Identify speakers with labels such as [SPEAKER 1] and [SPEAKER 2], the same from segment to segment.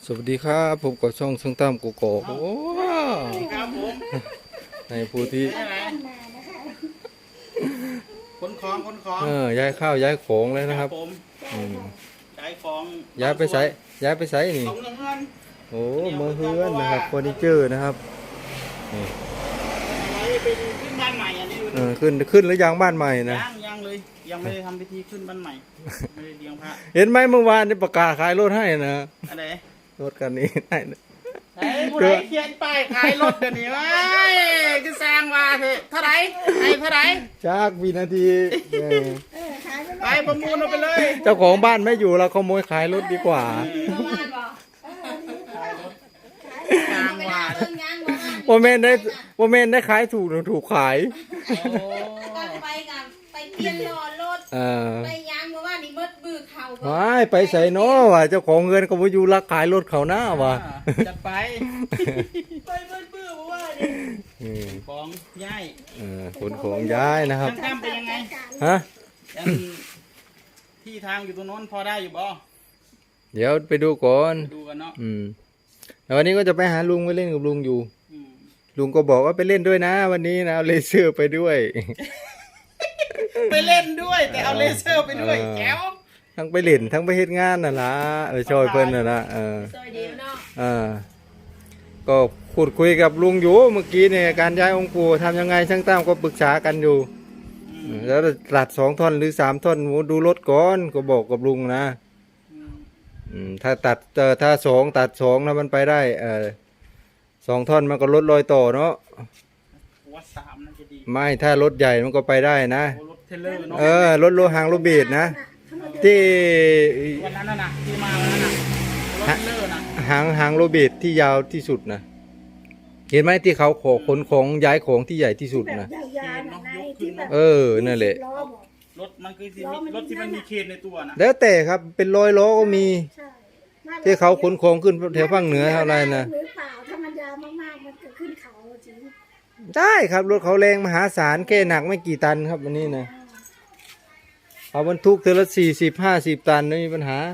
[SPEAKER 1] สวัสดีครับผมก็ช่องช่างตั้มกูโกโอ้
[SPEAKER 2] ครับผม
[SPEAKER 1] ในผู้ที่
[SPEAKER 2] ขนของ
[SPEAKER 1] ย้ายข้าวย้ายของเลยนะครับ
[SPEAKER 2] ผม
[SPEAKER 1] อืม
[SPEAKER 2] ย้ายของ
[SPEAKER 1] ย้ายไปใส่นี่
[SPEAKER 2] ของเงิน
[SPEAKER 1] โอ้มือเฮือนนะครับเฟอร์นิเจอร์นะครับนี่
[SPEAKER 2] ไว้เป็นขึ้นบ้านใหม่อันนี้ดู
[SPEAKER 1] ขึ้นหรือยังบ้านใหม่นะ
[SPEAKER 2] ยังเลยยังไม่ได้ทำพิธีขึ้นบ้านใหม่ไม่ได้เลี้ยงพระ
[SPEAKER 1] เห็นไหมเมื่อวานนี่ประกาศขายรถให้นะ
[SPEAKER 2] อะไร
[SPEAKER 1] รถคันนี้ให้นะ
[SPEAKER 2] ไอ้ผู้ใดเขียนป้ายขายรถเดี๋ยวนี้วะคือแซงว่าเถอะเท่าไหร่เท่าไหร่
[SPEAKER 1] จากวินาที
[SPEAKER 2] ไปประมูลเอาไปเลย
[SPEAKER 1] เจ้าของบ้านไม่อยู่เราขโมยขายรถดีกว่าโมเมนได้ขายถูกขาย
[SPEAKER 3] ไปกันไปเตียนรอรถไปยางมาว่านี่มดบือเขา
[SPEAKER 1] ไปใส่เนาะว่ะเจ้าของเงินก็มาอยู่รักขายรถเขาหน้าว่ะ
[SPEAKER 2] จะไปมดบือเพราะว่าของย้าย
[SPEAKER 1] ขนของย้ายนะครับ
[SPEAKER 2] ทางเป็นยังไง
[SPEAKER 1] ฮะ
[SPEAKER 2] ที่ทางอยู่ตรงโน้นพอได้อยู่บ่
[SPEAKER 1] เดี๋ยวไปดูก่อน
[SPEAKER 2] ดูกันเนาะ
[SPEAKER 1] แต่วันนี้ก็จะไปหาลุงไปเล่นกับลุงอยู่ลุงก็บอกว่าไปเล่นด้วยนะวันนี้นะเอาเลเซอร์ไปด้วย
[SPEAKER 2] ไปเล่นด้วยแต่เอาเลเซอร์ไปด้วยแก้ว
[SPEAKER 1] ทั้งไปเล่นทั้งไปเฮ็ดงานน่ะล่ะช่วยเพิ่นน่ะล่ะ
[SPEAKER 3] ช่วยดีเนาะ
[SPEAKER 1] ก็พูดคุยกับลุงอยู่เมื่อกี้เนี่ยการย้ายองค์ปู่ทำยังไงช่างตั้มก็ปรึกษากันอยู่แล้วตัด2 ท่อนหรือ3 ท่อนดูรถก่อนก็บอกกับลุงนะถ้าตัดถ้า2ตัด2แล้วมันไปได้2 ท่อนมันก็ลดรอยต่อเนาะ
[SPEAKER 2] ว่า3น่าจะดี
[SPEAKER 1] ไม่ถ้ารถใหญ่มันก็ไปได้นะ
[SPEAKER 2] รถเทเลอร์เนาะ
[SPEAKER 1] รถโลหางโลเบดนะที่
[SPEAKER 2] วันนั้นน่ะที่มาวันนั้นน่ะรถเทเลอร์นะ
[SPEAKER 1] หางโลเบดที่ยาวที่สุดนะเห็นไหมที่เขาขนของย้ายของที่ใหญ่ที่สุดนะนั่นแหละ
[SPEAKER 2] รถมันคือรถที่มันมีเคนในตัวนะ
[SPEAKER 1] แล้วแต่ครับเป็น100 ล้อก็มีที่เขาขนของขึ้นแถวภาคเหนือเท่าไรนะ
[SPEAKER 3] ถ้ามันยาวมากๆมันจะขึ้นเขาจริง
[SPEAKER 1] ได้ครับรถเขาแรงมหาศาลแค่หนักไม่กี่ตันครับวันนี้นะเอาบรรทุกเทละ40-50 ตันไม่มีปัญหา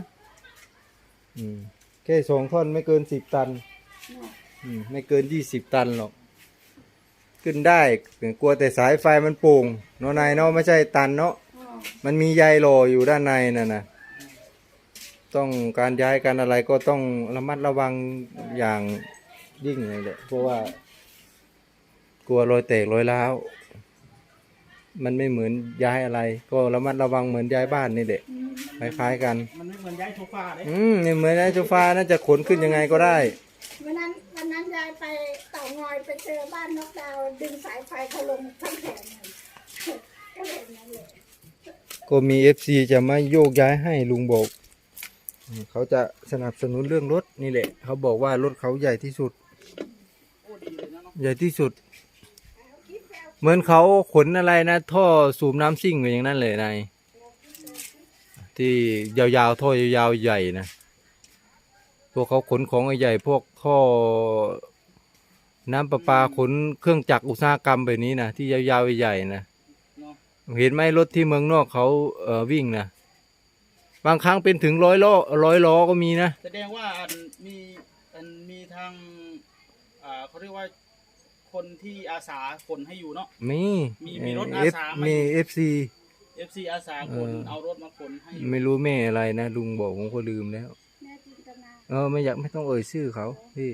[SPEAKER 1] แค่2 ท่อนไม่เกิน10 ตันไม่เกิน20 ตันหรอกขึ้นได้กลัวแต่สายไฟมันโป่งเนาะนายเนาะไม่ใช่ตันเนาะมันมีใยหล่ออยู่ด้านในน่ะนะต้องการย้ายการอะไรก็ต้องระมัดระวังอย่างยิ่งเลยแหละเพราะว่ากลัวรอยแตกรอยร้าวมันไม่เหมือนย้ายอะไรก็ระมัดระวังเหมือนย้ายบ้านนี่แหละคล้ายๆกัน
[SPEAKER 2] มันไม่เหมือนย้ายโซฟาเลย
[SPEAKER 1] นี่เหมือนย้ายโซฟาน่าจะขนขึ้นยังไงก็ได้
[SPEAKER 3] วันนั้นยายไปเต่างอยไปเจอบ้านนกดาวดึงสายไฟเขาลงทั้งแผงก็เลยนั่นแหละ
[SPEAKER 1] ก็มี FC จะมาโยกย้ายให้ลุงบอกเขาจะสนับสนุนเรื่องรถนี่แหละเขาบอกว่ารถเขาใหญ่ที่สุดใหญ่ที่สุดเหมือนเขาขนอะไรนะท่อสูบน้ำซิ่งอย่างนั้นเลยนายที่ยาวๆท่อยาวๆใหญ่นะพวกเขาขนของใหญ่พวกท่อน้ำประปาขนเครื่องจักรอุตสาหกรรมแบบนี้นะที่ยาวๆใหญ่นะเห็นไหมรถที่เมืองนอกเขาวิ่งนะบางครั้งเป็นถึง100 ล้อก็มีนะ
[SPEAKER 2] แสดงว่ามีทางเขาเรียกว่าคนที่อาสาขนให้อยู่เนาะมีรถอาสา
[SPEAKER 1] มี FC
[SPEAKER 2] อาสาขนเอารถมาขนให้
[SPEAKER 1] ไม่รู้แม่อะไรนะลุงบอกผมก็ลืมแล้วไม่ต้องเอ่ยชื่อเขาพี่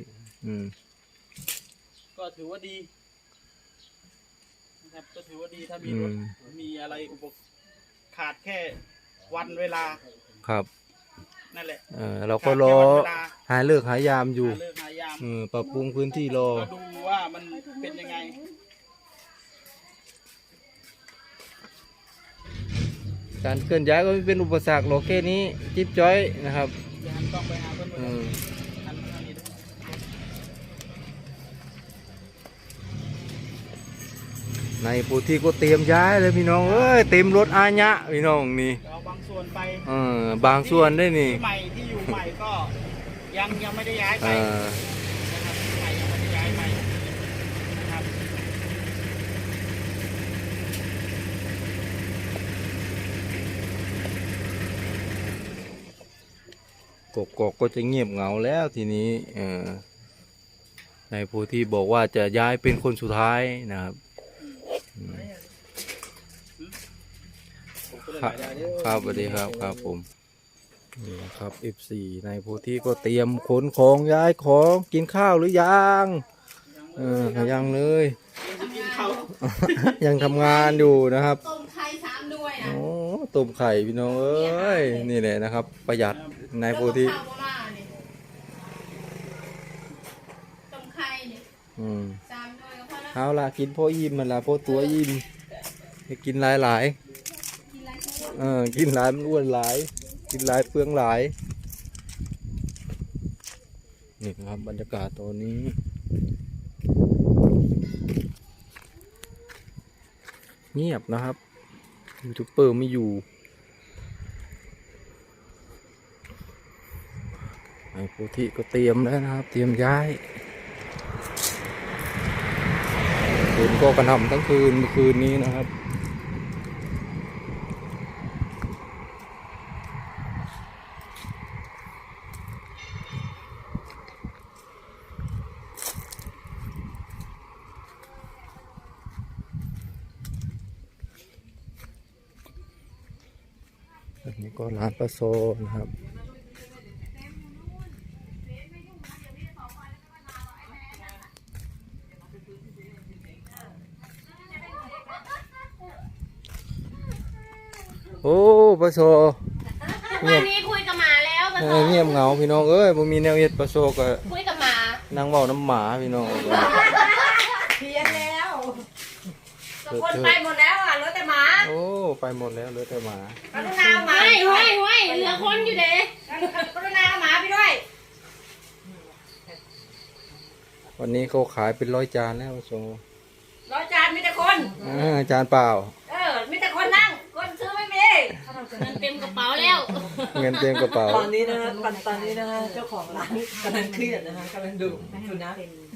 [SPEAKER 2] ก็ถือว่าดีนะครับก็ถือว่าดีถ้ามีรถมีอะไรขาดแค่วันเวลา
[SPEAKER 1] ครับ
[SPEAKER 2] นั่นแหละ
[SPEAKER 1] เราก็รอหาเลิกหายามอยู่ปรับปรุงพื้นที่รอ
[SPEAKER 2] ดูว่ามันเป็นยังไง
[SPEAKER 1] การเคลื่อนย้ายก็ไม่เป็นอุปสรรคหรอกแค่นี้จิ๊บจ้อยนะครับ
[SPEAKER 2] ต้องไปหาเพื่อน
[SPEAKER 1] ในปูที่ก็เตรียมย้ายเลยพี่น้องเต็มรถอาญะพี่น้องนี่
[SPEAKER 2] เอาบางส่วนไป
[SPEAKER 1] บางส่วนได้นี่
[SPEAKER 2] ใหม่ที่อยู่ใหม่ก็ยังไม่ได้ย้ายไปนะครับใหม่ยังไม่ได้ย้ายไปนะครับ
[SPEAKER 1] กกอกก็จะเงียบเหงาแล้วทีนี้นายโพธิบอกว่าจะย้ายเป็นคนสุดท้ายนะครับครับสวัสดีครับครับผมนี่นะครับ F4 นายโพธิก็เตรียมขนของย้ายของกินข้าวหรือยังยังเลย
[SPEAKER 2] กินข้าว
[SPEAKER 1] ยังทำงานอยู่นะครับ
[SPEAKER 3] ต้มไข่3ด้วยนะ
[SPEAKER 1] โอ้ต้มไข่พี่น้องเอ้ยนี่แหละนะครับ ประหยัดนายโพธิ
[SPEAKER 3] ต้มไข่นี่3ด้วยก็พอแล้ว
[SPEAKER 1] เอาล่ะกินพ่ออิ่มมันละพ่อตัวอิ่มให้กินหลาย
[SPEAKER 3] กินไรก็
[SPEAKER 1] กินหลายมันอ้วนหลาย กินหลายเปลืองหลายนี่นะครับบรรยากาศตอนนี้เงียบนะครับยูทูบเบอร์ไม่อยู่ไอ้โพธิก็เตรียมแล้วนะครับ เตรียมย้ายฝนก็กระหน่ำทั้งคืนเมื่อคืนนี้นะครับอันนี้ก็ร้านปลาโซนะครับโอ้ปลาโซเงียบ
[SPEAKER 4] วันนี้คุยกับหมาแล้วปะโซ
[SPEAKER 1] เงียบเหงาพี่น้องเอ้ยบ่มีแนวเฮ็ดปลาโซก็
[SPEAKER 4] คุยกับหมา
[SPEAKER 1] นั่งเว้าน้ำหมาพี่น้อง
[SPEAKER 4] เพี้ยนแล้วคนไปหมดแล้วอ่ะเหลือแต่หมา
[SPEAKER 1] โอ้ไปหมดแล้วเหลือแต่หมา
[SPEAKER 4] กรุณาเอาหมาห้อยเหลือคนอยู่เด้กรุณาเอาหมาไปด้วย
[SPEAKER 1] วันนี้เขาขายเป็น100 จานแล้วโซ
[SPEAKER 4] ร้อยจานมีแต่คน
[SPEAKER 1] จานเปล่า
[SPEAKER 4] มีแต่คนนั่งคนซื้อไม่มีเงินเต็มกระเป๋าแล้ว
[SPEAKER 1] เงินเต็มกระเป๋า
[SPEAKER 5] ตอนนี้นะฮะตอนนี้นะฮะเจ้าของร้านกำลังเครียดนะฮะกำลังดูนะ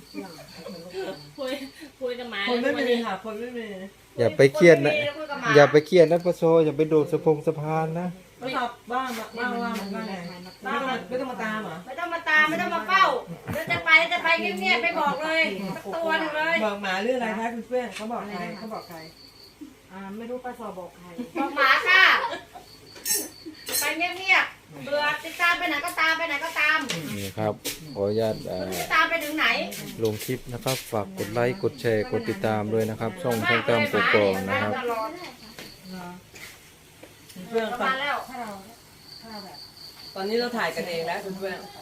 [SPEAKER 4] คุยกับหมา
[SPEAKER 5] คนไม่มีค่ะคนไม่มี
[SPEAKER 1] อย่าไปเครียดนะอย่าไปเครียดนะปะโซอย่าไปโดดสะพานนะ
[SPEAKER 5] ก็ตอบบ้างบ้างไงบ้างไม่ต้องมาตามเหรอ
[SPEAKER 4] ไม่ต้องมาตามไม่ต้องมาเฝ้าเดี๋ยวจะไปเงียบๆไปบอกเลยสักตัวหนึงเลย
[SPEAKER 5] บอกหมาเรื่องอะไรคะคุณเพื่อนเขาบอกใครเขาบอกใคร
[SPEAKER 3] ไม่รู้ป้าสอบอกใคร
[SPEAKER 4] บอกหมาค่ะไปเงียบๆเบื่อติดตามไปไหนก็ตามไปไหนก็ตาม
[SPEAKER 1] นี่ครับขออนุญาต
[SPEAKER 4] จะตามไปถึงไหน
[SPEAKER 1] ลงคลิปนะครับฝากกดไลค์กดแชร์กดติดตามด้วยนะครับช่องช่างตามกกอกนะครับ
[SPEAKER 4] ตลอด
[SPEAKER 5] เพื่อน
[SPEAKER 4] ประมาณแล้ว
[SPEAKER 5] ตอนนี้เราถ่ายกันเองแล้วคุณเพื่อน
[SPEAKER 4] เ